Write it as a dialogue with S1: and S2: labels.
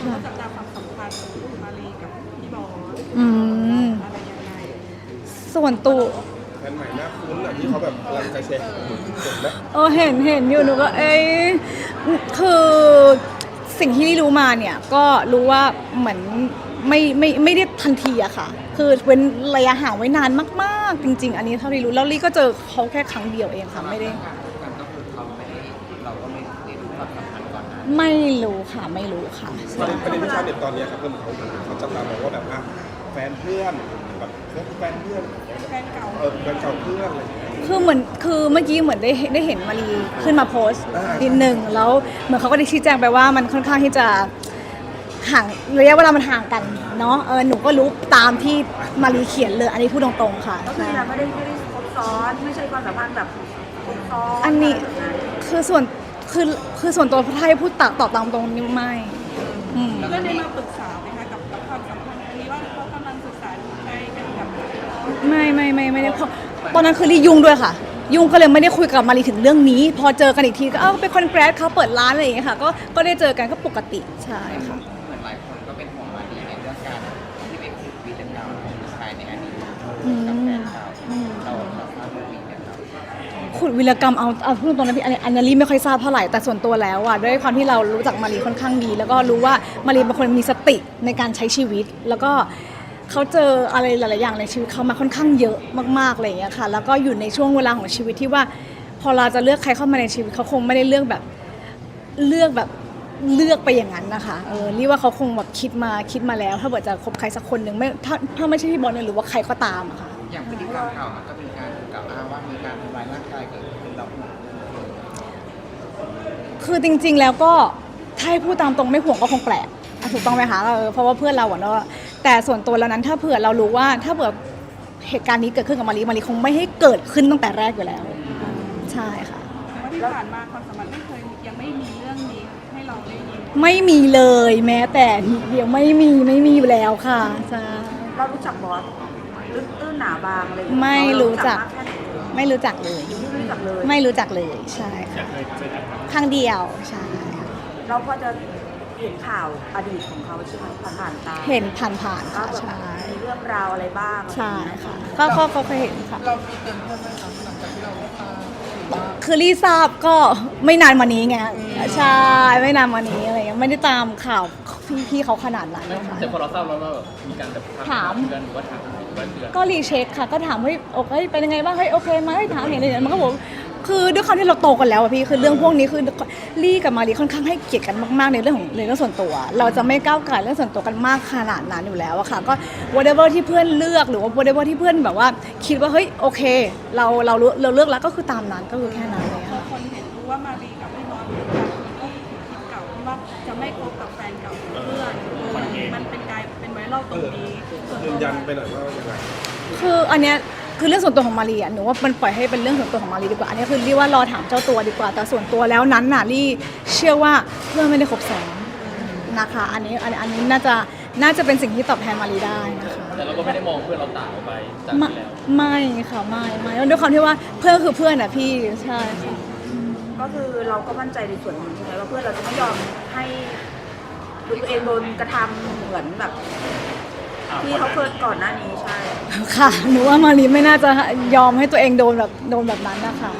S1: ก็จะตามความสัมพันธ์ของมารีกับพี่บอสอะไรยังไง
S2: ส่วนตัว
S3: แฟนใหม่หน้าคุ้นอ่ะที่เขาแบบกำลังจะเช็คถูกไหม
S2: เห็นอยู่หนูก็คือสิ่งที่รู้มาเนี่ยก็รู้ว่าเหมือนไม่ได้ทันทีอะค่ะคือเว้นระยะห่างไว้นานมากๆจริงๆอันนี้เท่าที่รู้แล้วลี่ก็เจอเขาแค่ครั้งเดียวเองค่ะไม่ได้
S4: เราก็ไม่ได้รู้ความสัมพันธ์ก่อนนะ
S2: ไม่รู้ค่ะไม่รู้ค่ะ
S3: ประเด็นที่ชาวเน็ตตอนนี้ครับเขาจับตามองว่าแบบแฟนเพื่อนแบบแฟนเพื่อน
S1: แฟนเก่า
S3: แฟนเก่าเพื่อนอะไรอย่างเงี้ย
S2: คือเหมื่อกี้เหมือนได้เห็นมารีขึ้นมาโพสต์นิดนึงแล้วเหมือนเขาก็ได้ชี้แจงไปว่ามันค่อนข้างที่จะห่างระยะเวลามันห่างกันเนาะหนูก็รู้ตามที่มารีเขียนเลยอันนี้พูดตรงๆค่ะ
S5: ก็คือเราไม่ได้คบซ้อนไม่ใช่ความสัมพันธ์แบบคบซ้อน
S2: อันนี้คือส่วนตัวถ้าให้พูดตอบตามตรงนี้ไม่
S1: แล้วได้มาปรึกษาไหมคะกับความสัมพันธ์อันนี้ว่าเขากำลังศึกษาดูใจกันกับ
S2: ไม่ได้เพราะตอนนั้นคือรียุ่งด้วยค่ะยุ่งก็เลยไม่ได้คุยกับมารีถึงเรื่องนี้พอเจอกันอีกทีก็เป็นคอนแกรสเขาเปิดร้านอะไรอย่างเงี้ยค่ะก็ได้เจอกันก็ปกติใช่ค่ะ
S4: เหมือนหลายคนก็เป็นห่วงมารีในเรื่องการที่ไปขุดวีรกรรมของผู้ชายในอดีตกับแฟนเราทราบเรื่องนี้ไหมครับ
S2: ขุดวีรกรรมเอาพูดตรงนั้นพี่อันนี้ไม่ค่อยทราบเท่าไหร่แต่ส่วนตัวแล้วอ่ะด้วยความที่เรารู้จักมารีค่อนข้างดีแล้วก็รู้ว่ามารีเป็นคนมีสติในการใช้ชีวิตแล้วก็เขาเจออะไรหลายๆอย่างในชีวิตเขามาค่อนข้างเยอะมากๆอะไรอย่างเงี้ยค่ะแล้วก็อยู่ในช่วงเวลาของชีวิตที่ว่าพอเราจะเลือกใครเข้ามาในชีวิตเขาคงไม่ได้เลือกไปอย่างนั้นนะคะรีว่าเขาคงแบบคิดมาแล้วถ้าเกิดจะคบใครสักคนหนึ่งไม่ถ้าไม่ใช่พี่บอลหรือว่าใครก็ตามอะค่ะ
S4: อย่างพฤติกรรมข่าวมันก็มีการกล่าวอ้างว่ามีการทำร้ายร่างกายเกิดขึ้นเรา
S2: คือจริงๆแล้วก็ถ้าให้พูดตามตรงไม่ห่วงก็คงแปลกถูกต้องไหมคะเพราะว่าเพื่อนเราอะเนาะแต่ส่วนตัวแล้วนั้นถ้าเผื่อเรารู้ว่าถ้าเผื่อเหตุการณ์นี้เกิดขึ้นกับมารีคงไม่ให้เกิดขึ้นตั้งแต่แรกอยู่แล้วใช่ค่ะ
S1: ที่ผ่านมาความสัมพันธ์ยังไม่มีเรื่องนี้ให้เราได้ยิน
S2: ไม่มีเลยแม้แต่เดียวไม่มีอยู่แล้วค่ะใช่
S5: เรารู้จักบอสลึกตื้นหนาบางเลย
S2: ไม่รู้จักเลยไม่รู้จักเลยใช่ค่ะครั้งเดียวใช่
S5: เราพอจะเห็นข่าวอดีตของเขาใช่ไหมผ่านตา
S2: เห็นผ่านค่ะใช่
S5: มีเรื่องราวอะไรบ้าง
S2: ใช่ค่ะก็เคยเห็นค่ะ
S4: เรามีเตือนเพื่อนไหมคะหลังจากที่เราได้
S2: คือรีทราบก็ไม่นานมานี้ไงใช่ไม่นานมานี้อะไรเงี้ยไม่ได้ตามข่าวพี่เขาขนาดนั้นค่ะ
S4: แต่พอเราทราบแล้วว่ามีการถามเพื่อนหรือว่าถาม
S2: ก็รีเช็คค่ะก็ถามว่าโอเคเป็นยังไงบ้างโอเคไหมถามเห็นอะไรมันก็บอกคือด้วยความที่เราโตกันแล้วอะพี่คือเรื่องพวกนี้คือลี่กับมารีค่อนข้างให้เกียรติกันมากๆในเรื่องส่วนตัวเราจะไม่ก้าวไก่เรื่องส่วนตัวกันมากขนาดนั้นอยู่แล้วอะค่ะก็ whatever ที่เพื่อนเลือกหรือว่า whatever ที่เพื่อนแบบว่าคิดว่าเฮ้ยโอเคเราเลือกแล้วก็คือตามนั้นก็คือแค่นั้นเลยค่ะ
S1: คนเห็นรู้ว่ามารีกับพี่บอสก็คิดเก่าที่ว่าจะไม่คบกับแฟนเก่าเพื่อนมันเป็นไวรัลตรงนี้
S3: ยืนยันไปหน่อยว่ายังไง
S2: คืออันเนี้ยคือเรื่องส่วนตัวของมารีอ่ะหนูว่ามันปล่อยให้เป็นเรื่องส่วนตัวของมารีดีกว่าอันนี้คือเรียกว่ารอถามเจ้าตัวดีกว่าแต่ส่วนตัวแล้วนั้นน่ะลี่เชื่อว่าเพื่อนไม่ได้คบซ้อนนะคะอันนี้น่าจะเป็นสิ่งที่ตอบแทนมารีได้นะคะ
S4: แต่เราก็ไม่ได้มองเพื่อนเราต่างออกไปจากที่แล้ว
S2: ไม่ค่ะไม่ด้วยความที่ว่าเพื่อนคือเพื่อนอ่ะพี่ใช่ค่ะ
S5: ก็คือเราก็มั่นใจในส่วนนี้ใช่ไหมว่าเพื่อนเราจะไม่ยอมให้ตัวเองโดนกระทำเหมือนแบบที่เขาเคยก่อนหน้านี้ใช่
S2: ค่ะหนูว่ามารีไม่น่าจะยอมให้ตัวเองโดนแบบนั้นนะคะ